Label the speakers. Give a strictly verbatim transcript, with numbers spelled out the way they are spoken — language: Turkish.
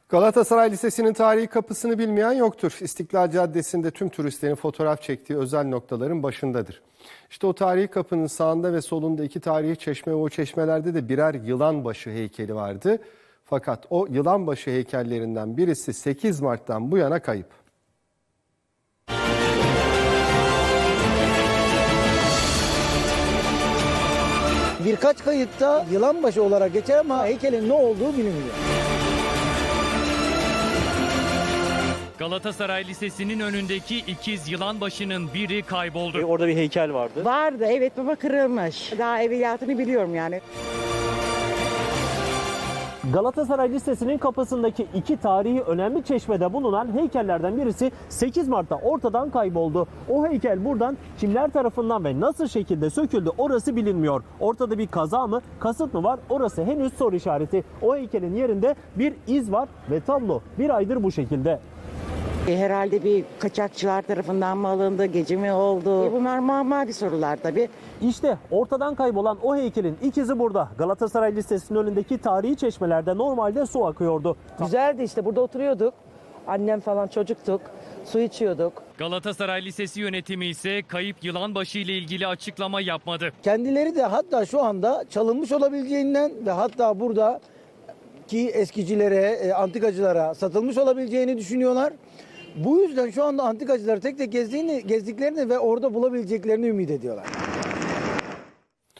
Speaker 1: Galatasaray Lisesi'nin tarihi kapısını bilmeyen yoktur. İstiklal Caddesi'nde tüm turistlerin fotoğraf çektiği özel noktaların başındadır. İşte o tarihi kapının sağında ve solunda iki tarihi çeşme ve o çeşmelerde de birer yılanbaşı heykeli vardı. Fakat o yılanbaşı heykellerinden birisi sekiz Mart'tan bu yana kayıp.
Speaker 2: Birkaç kayıtta yılanbaşı olarak geçer ama heykelin ne olduğu bilinmiyor.
Speaker 3: Galatasaray Lisesi'nin önündeki ikiz yılanbaşının biri kayboldu.
Speaker 4: Orada bir heykel vardı.
Speaker 5: Vardı, evet, baba kırılmış. Daha evveliyatını biliyorum yani.
Speaker 4: Galatasaray Lisesi'nin kapısındaki iki tarihi önemli çeşmede bulunan heykellerden birisi sekiz Mart'ta ortadan kayboldu. O heykel buradan kimler tarafından ve nasıl şekilde söküldü orası bilinmiyor. Ortada bir kaza mı, kasıt mı var orası henüz soru işareti. O heykelin yerinde bir iz var ve tablo bir aydır bu şekilde.
Speaker 5: Herhalde bir kaçakçılar tarafından mı alındı, gece mi oldu? E bunlar mamari sorular tabii.
Speaker 4: İşte ortadan kaybolan o heykelin ikizi burada. Galatasaray Lisesi'nin önündeki tarihi çeşmelerde normalde su akıyordu.
Speaker 6: Güzeldi işte, burada oturuyorduk. Annem falan çocuktuk. Su içiyorduk.
Speaker 3: Galatasaray Lisesi yönetimi ise kayıp yılanbaşı ile ilgili açıklama yapmadı.
Speaker 2: Kendileri de hatta şu anda çalınmış olabileceğinden ve hatta burada ki eskicilere, antikacılara satılmış olabileceğini düşünüyorlar. Bu yüzden şu anda antikacıları tek tek gezdiğini, gezdiklerini ve orada bulabileceklerini ümit ediyorlar.